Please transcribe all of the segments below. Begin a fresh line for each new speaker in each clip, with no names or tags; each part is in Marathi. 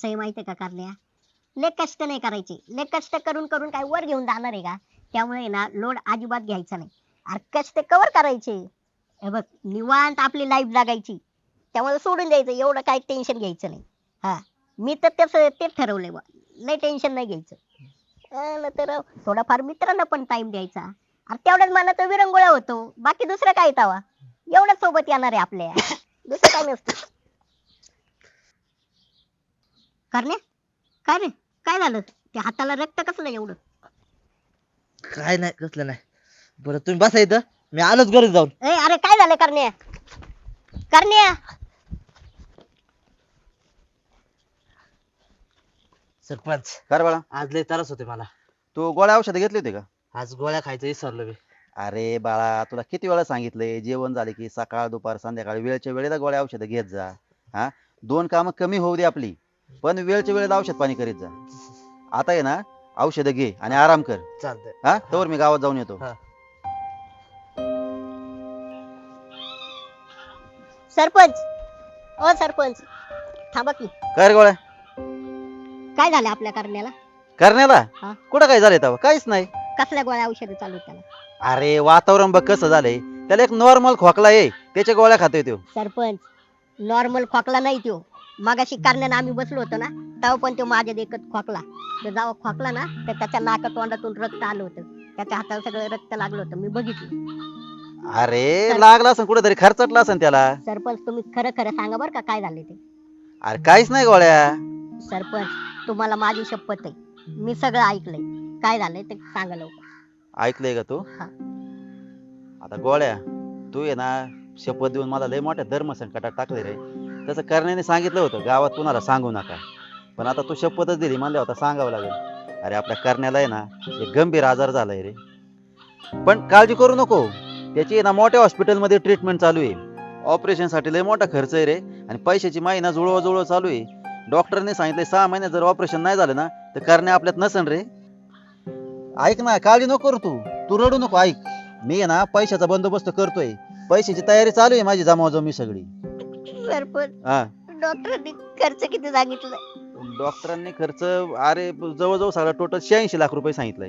कसं आहे माहितीये का करण्या, लय कष्ट नाही करायचे. लय कष्ट करून करून काय वर घेऊन जाणार आहे का? त्यामुळे ना लोड अजिबात घ्यायचा नाही. अरे कष्ट कवर करायचे. हे बघ निवांत आपली लाईफ जगायची. त्यामुळे सोडून द्यायचं, एवढं काही टेन्शन घ्यायचं नाही. हा, मी तर तसं तेच ठरवलंय बा. लय टेन्शन नाही घ्यायचं. तर थोडाफार मित्रांना पण टाइम द्यायचा. अरे तेवढ्याच मनाचा विरंगुळा होतो. बाकी दुसरं काय तवा. एवढंच सोबत येणार आहे आपल्या. दुसरं काय नसतं. करण्या, काय रे? काय झालं? त्या हाताला रक्त कसलं एवढं?
काय नाही कसलं नाही. बरं तुम्ही बसा इथं, मी आलोच घरी जाऊन.
अरे काय झालं करण्या? करण्या.
सरपंच
काय रे बाळा,
आज लय त्रास होते मला.
तू गोळ्या औषधं घेतली होती का?
आज गोळ्या खायचं विसरलो मी.
अरे बाळा, तुला किती वेळा सांगितलंय जेवण झाले की सकाळ दुपार संध्याकाळ वेळच्या वेळेला गोळ्या औषधं घेत जा. हा, दोन कामं कमी होऊ दे आपली, पण वेळच्या वेळेला औषध पाणी करीत जा. आता आहे ना, औषधं घे आणि आराम कर.
चालतंय.
हा, तोवर मी गावात जाऊन येतो.
हा.
सरपंच, ओ सरपंच, थांबा की.
काय रे गोळ्या,
काय झालं आपल्या करण्याला?
करण्याला
हा?
कुठं काय झालंय तेव्हा? काहीच नाही.
कसल्या गोळ्या औषधं चालू आहेत त्याला?
अरे वातावरण बघ कसं झालंय. त्याला एक नॉर्मल खोकला आहे, त्याच्या गोळ्या खातोय तो.
सरपंच, नॉर्मल खोकला नाही तो. मगाशी करण्यानं आम्ही बसलो होतो ना, तेव्हा पण तो माझ्या देखत खोकला. तो जेव्हा खोकला ना, तर त्याच्या नाका तोंडातून रक्त आलं होतं. त्याच्या हाताला सगळं रक्त लागलं होतं, मी बघितलं.
अरे लागला असं कुठेतरी खर्चटला असेल त्याला.
सरपंच, तुम्ही खरं खरं सांगा बरं का काय झाले ते.
अरे काहीच नाही गोळ्या.
सरपंच, तुम्हाला माझी शपथ आहे, मी सगळं ऐकलंय. काय झालंय ते सांगा लवकर.
ऐकलंय का तू?
हा.
आता गोळ्या, तू आहे ना शपथ देऊन मला लय मोठ्या धर्म संकटात टाकले रे. तसं करण्याने सांगितलं होतं गावात कुणाला सांगू नका, पण आता तू शपथच दिली म्हणल्या होता सांगावं लागेल. अरे आपल्या करण्याला आहे ना एक गंभीर आजार झालाय रे. पण काळजी करू नको, त्याची आहे ना मोठ्या हॉस्पिटलमध्ये ट्रीटमेंट चालू आहे. ऑपरेशन साठी लय मोठा खर्च आहे रे, आणि पैशाची महिना जुळवा चालू आहे. डॉक्टरने सांगितलंय 6 महिन्यात जर ऑपरेशन नाही झालं ना तर करण्या आपल्यात नसन रे. ऐक ना, काळजी नको करू तू रडू नको. ऐक, मी आहे ना पैशाचा बंदोबस्त करतोय. पैशाची तयारी चालू आहे माझी जमावजमी सगळी.
सरपंच,
हा,
डॉक्टरांनी खर्च किती सांगितलं?
डॉक्टरांनी खर्च अरे जवळजवळ सगळा टोटल 86 लाख रुपये सांगितलंय.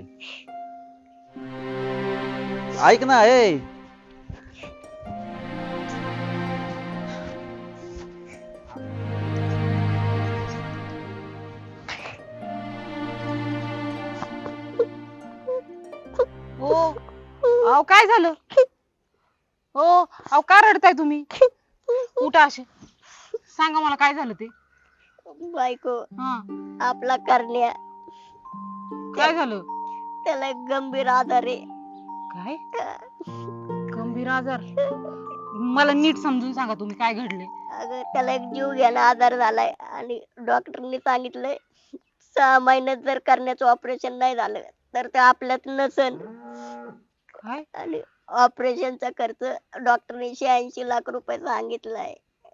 ऐक ना ए.
हो, अहो काय झालं? हो, अहो का रडताय तुम्ही? उठा असे, सांगा मला काय झालं ते.
बायको,
हा,
आपला करण्या,
काय झालं?
त्याला एक गंभीर आजार आहे.
काय गंभीर आजार? मला नीट समजून सांगा तुम्ही काय घडले.
अगं त्याला एक जीव घ्यायला आजार झालाय आणि डॉक्टरनी सांगितलंय 6 महिन्यात जर करण्याचं ऑपरेशन नाही झालं तर ते आपल्यात नसन.
काय?
आणि ऑपरेशनचा खर्च डॉक्टरने 86 लाख रुपये सांगितलाय.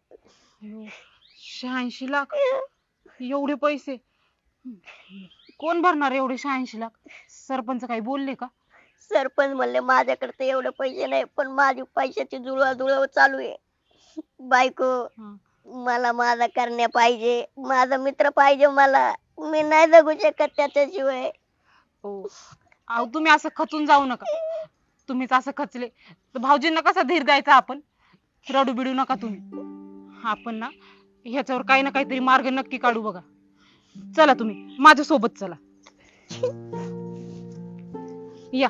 86 लाख? एवढे पैसे कोण भरणार? एवढे 86 लाख सरपंच काही बोलले का?
सरपंच म्हणले माझ्याकडे तर एवढे पैसे नाही, पण माझी पैशाची जुळवाजुळव चालू आहे. बायको,
हा.
मला माझा करण्या पाहिजे, माझा मित्र पाहिजे मला. मी नाही जगू शकत त्याच्याशिवाय.
हो, अहो तुम्ही असं खचून जाऊ नका. तुम्हीच असं खचले तर भाऊजींना कसा धीर द्यायचा आपण? रडू बिडू नका तुम्ही. आपण ना ह्याच्यावर काही ना काहीतरी मार्ग नक्की काढू. बघा, चला तुम्ही माझ्या सोबत चला. या.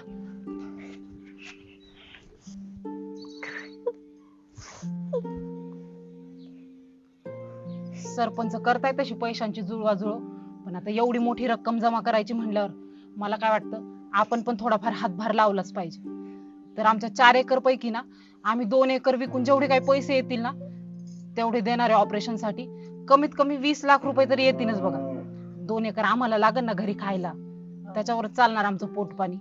सरपंच करताय तशी पैशांची जुळवाजुळव, पण आता एवढी मोठी रक्कम जमा करायची म्हणल्यावर मला काय वाटतं आपण पण थोडाफार हातभार लावलाच पाहिजे. तर आमच्या 4 एकर पैकी ना आम्ही 2 एकर विकून जेवढे काही पैसे येतील ना तेवढे देणार आहे ऑपरेशन साठी. कमीत कमी 20 लाख रुपये तरी येतीलच बघा. 2 एकर आम्हाला लागल ना घरी खायला, त्याच्यावर चालणार आमचं पोट पाणी.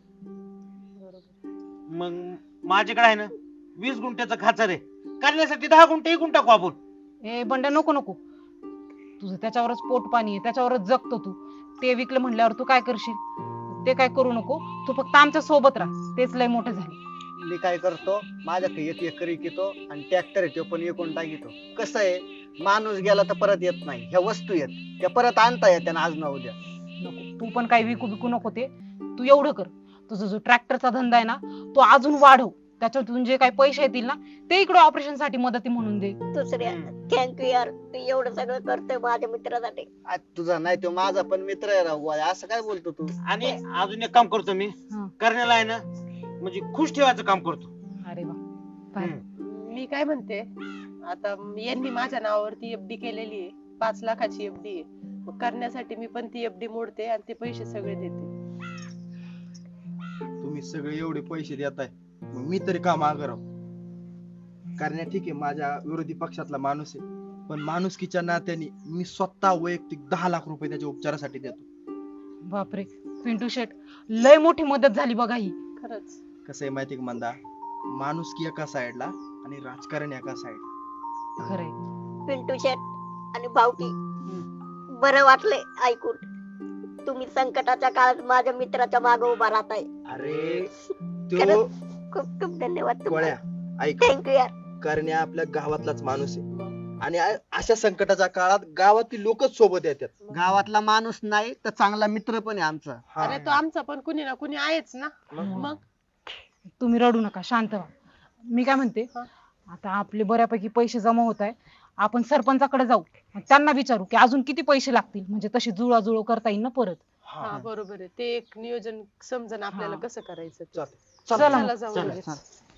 मग माझ्याकडे आहे ना 20 गुंठ्याचं खाचर आहे, करण्यासाठी 10 गुंठे इकून टाकू आपण.
ए बंड्या, नको नको, तुझं त्याच्यावरच पोट पाणी आहे, त्याच्यावरच जगतो तू. ते विकलं म्हणल्यावर तू काय करशील? ते काय करू नको, तू फक्त आमच्या सोबत राहा, तेच लय मोठे झाले.
मी काय करतो माझ्याकडे 1 एकर विकतो आणि ट्रॅक्टर आहे तो पण विकून टाकितो. कसं आहे माणूस गेला तर परत येत नाही, ह्या वस्तू येत त्या परत आणता येत्या ना आज ना उद्या.
नको तू पण काही विकू बिकू नको ते. तू एवढं कर, तुझा जो ट्रॅक्टरचा धंदा आहे ना तो अजून वाढव. त्याच्यातून जे काही पैसे येतील ना ते इकडे ऑपरेशन साठी मदती म्हणून दे.
दुसऱ्या थँक्यू यार, तू एवढं सगळं करतोय माझ्या मित्रासाठी.
आज तुझा नाही तो माझा पण मित्र आहे राव. असं काय बोलतो तू?
आणि अजून एक काम करतो मी,
हा.
करण्याला आहे ना म्हणजे खुश ठेवायचं काम करतो.
अरे वा भारी.
मी काय म्हणते, आता यांनी माझ्या नावावरती एफडी केलेली आहे, 5 लाखाची एफडी आहे. मग करण्यासाठी मी पण ती एफडी मोडते आणि ते पैसे सगळे देते.
तुम्ही सगळे एवढे पैसे देताय, मग मी तरी का मागं राहू? करण्या ठीक आहे माझ्या विरोधी पक्षातला माणूस आहे, पण माणुसकीच्या नात्याने मी स्वतः वैयक्तिक 10 लाख रुपये त्याच्या उपचारासाठी देतो.
बापरे पिंटू शेट, लय मोठी मदत झाली बघा ही.
खरंच
कसं आहे माहिती का मंदा, माणुसकी एका साईडला आणि राजकारण एका साईड.
खरंय.
पिंटू शेट आणि भाऊकी, बरं वाटले ऐकून. तुम्ही संकटाच्या काळात माझ्या मित्राच्या मागे उभा राहताय.
अरे तो
खरंच खूप खूप धन्यवाद
गोळ्या ऐक,
थँक्यू यार.
करण्या आपल्या गावातलाच माणूस आहे आणि अशा संकटाच्या काळात गावातील लोकच सोबत येतात.
गावातला माणूस नाही तर चांगला मित्र पण आहे आमचा.
हा.
अरे तो आमचा पण कुणी ना कुणी आहेच ना. मग
तुम्ही रडू नका, शांत व्हा. मी काय म्हणते,
हा.
आता आपले बऱ्यापैकी पैसे जमा होत आहे, आपण सरपंचाकडे जाऊ आणि त्यांना विचारू की अजून किती पैसे लागतील, म्हणजे तशी जुळवाजुळव करता येईल ना परत.
हा बरोबर आहे, ते एक नियोजन समजन आपल्याला
हा.
कसं करायचं ते.
चालतंय.
चला
चला जाऊ
चला,
लगेच.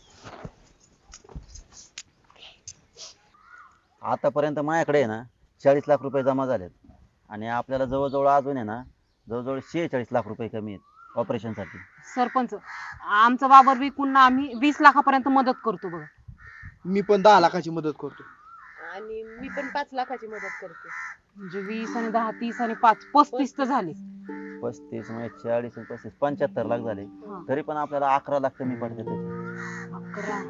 आतापर्यंत माझ्याकडे आहे ना 40 लाख रुपये जमा झालेत आणि आपल्याला जवळजवळ अजून आहे ना जवळजवळ 46 लाख रुपये कमी आहेत ऑपरेशन साठी.
सरपंच, आमचा वावर विकून ना आम्ही 20 लाखापर्यंत मदत करतो बघा.
मी पण 10 लाखाची मदत करतो.
आणि मी पण 5 लाखाची मदत करते.
म्हणजे 20 आणि 10 30 आणि 5 35 तर झाले.
35 म्हणजे 40 आणि 35 75 लाख झाले.
हा.
तरी पण आपल्याला 11 लाख कमी पडते त्याचे.
11.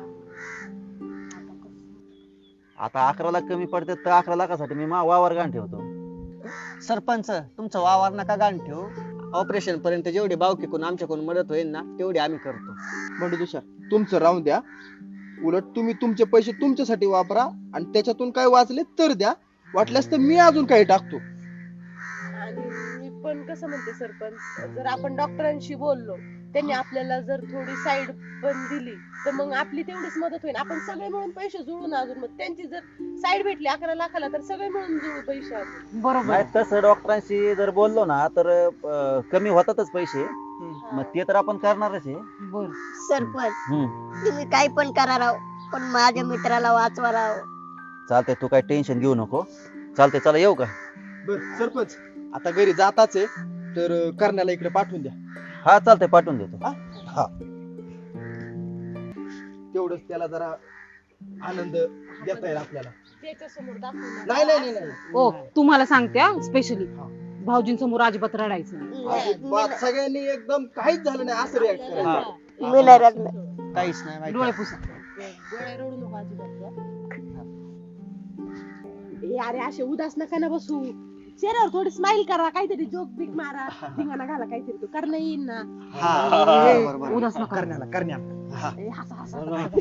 आता 11 लाख कमी पडते तर 11 लाखासाठी मी वावर गाण ठेवतो.
सरपंच तुमचा वावर नका गाण ठेवू. ऑपरेशन पर्यंत जेवढी बावकीकडून आमच्याकडून मदत होईल ना तेवढी आम्ही करतो.
बंडू तुषार, तुमचं राहून द्या. उलट तुम्ही तुमचे पैसे तुमच्यासाठी वापरा आणि त्याच्यातून काय वाचले तर द्या, वाटल्यास तर मी अजून काही टाकतो.
आणि मी पण कसं म्हणते सरपंच, जर आपण डॉक्टरांशी बोललो, त्यांनी आपल्याला जर थोडी साईड पण दिली तर मग आपली तेवढीच मदत होईल. आपण सगळे मिळून पैसे जुळून अजून मग त्यांची जर साईड भेटली 11 लाखाला तर सगळे मिळून जुळू पैसे अजून.
बरोबर.
नाही तसं डॉक्टरांशी जर बोललो ना तर कमी होतातच पैसे, मग ते तर आपण करणारच आहे.
बर.
सरपंच
हम्म.
तुम्ही काही पण करा राव, पण माझ्या मित्राला वाचवा राव.
चालतंय, तू काय टेन्शन घेऊ नको. चालतंय, चला येऊ का?
बर सरपंच, आता घरी जाताच आहे तर करण्याला इकडे पाठवून द्या.
हा चालतंय, पाठवून देतो.
हा, तेवढंच त्याला जरा आनंद देता येईल आपल्याला.
त्याच्यासमोर दाखवून
नाही नाही नाही, नाही.
ओ तुम्हाला सांगते स्पेशली, भाऊजींसमोर अजिबात रडायचं नाही.
अजिबात सगळ्यांनी एकदम काहीच झालं नाही असं रिॲक्ट करायचं.
मी नाही रडणार.
काहीच नाही माहिती.
डोळे पुसा.
डोळे रडू नको अजिबात. ए अरे असे उदास नका ना बसू, चेहऱ्यावर थोडी स्माइल करा, काहीतरी जोक बिक मारा, धिंगाणा घाला काहीतरी, तो करणं येईन ना.
हा,
ए,
बरोबर.
उदास नका.
करण्या
ए, हसा हसा.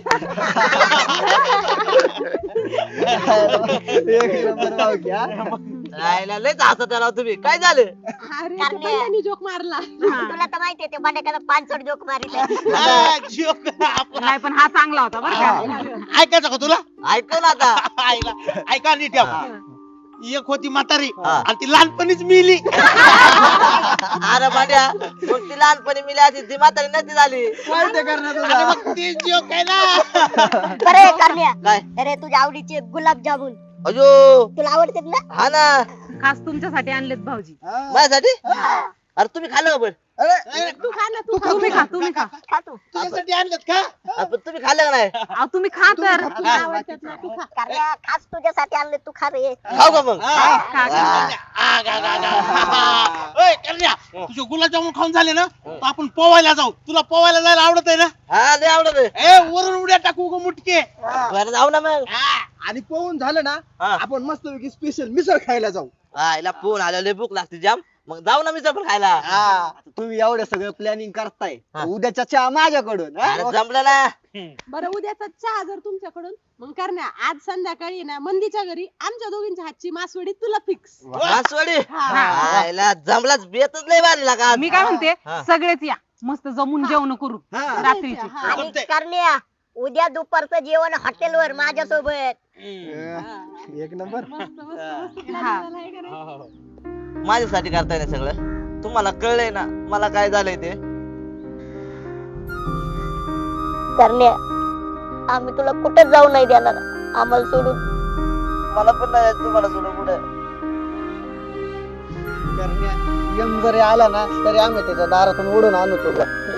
एक नंबर बावकी, हा.
तुम्ही काय झालं?
अरे
करण्या.
त्या बंड्यानी जोक मारला.
तुला तर माहितीये ते बंड्याकडे 500 जोक मारित
हा, जोक आपण-
नाही पण हा चांगला होता बरं का.
ऐकायचं का तुला?
ऐकू ना आता.
आईला ऐका नीट ठेवा. एक होती म्हातारी
हा.
आणि ती लहानपणीच मिली.
अरे भांड्या, मग ती लहानपणी मिली आधी ती म्हातारी नसती झाली.
माहिती करण्या
अरे
तुझा.
मग ते जोक आहे ना.
बरे करण्या,
काय?
अरे तुझ्या आवडीचे गुलाबजामुन
अयो,
तुला आवडतात ना?
हा ना,
खास तुमच्यासाठी आणलेत भाऊजी.
माझ्यासाठी. अरे तुम्ही खाल्लं का पण?
अरे,
तू खा ना, तू खा.
तुम्ही खा, तुम्ही खा.
खा तू.
तुझ्यासाठी आणलेत का?
आपण तुम्ही खाल्लं का नाही?
अहो, तुम्ही खा तर.
तुला आवडतात ना, तू खा.
करण्या खास तुझ्यासाठी आणले, तू खा रे.
खाऊ का मग?
हा.
खा, खा.
आ, गा, गा, गा. ओय, करण्या, तुझे गुलाबजामुन खाऊन झाले ना तर आपण पोवायला जाऊ. तुला पोवायला जायला आवडत आहे ना?
हा, लय आवडत आहे.
ए वरून उड्या टाकू ग मुटके.
बरं, जाऊ ना मग.
हा,
आणि पोहून झालं ना
हा.
आपण मस्तपैकी स्पेशल मिसळ खायला जाऊ.
हिला फोन आल्यावर भूक लागते जाम, मग जाऊ ना मिसळ पण खायला.
आता तुम्ही एवढं सगळं प्लॅनिंग करताय
हा.
उद्याच्या चहा माझ्याकडून हा?
अरे जमलं ना.
बरं उद्याचा चहा जर तुमच्याकडून मग करण्या आज संध्याकाळी ना मंदीच्या घरी आमच्या दोघींच्या हातची मासवडी तुला फिक्स.
मासवडी
हा.
हिला जमलाच, बेतच नाही बांधला का.
मी काय म्हणते
हा.
सगळेच या मस्त जमून जेवण करू
हा.
रात्रीची.
हा.
आणि करण्या उद्या दुपारचं जेवण हॉटेलवर माझ्यासोबत.
एक नंबर.
मस्त मस्त
हा.
plan झालाय का नाही?
माझ्यासाठी करताय ना सगळं, तुम्हाला कळलंय ना मला काय झालंय ते.
करण्या आम्ही तुला कुठं जाऊ नाही देणार आम्हाला सोडून.
मला पण नाही जायचं तुम्हाला सोडून कुठे.
करण्या यम जरी आला ना तरी आम्ही त्याच्या दारातून ओढून आणू तुला.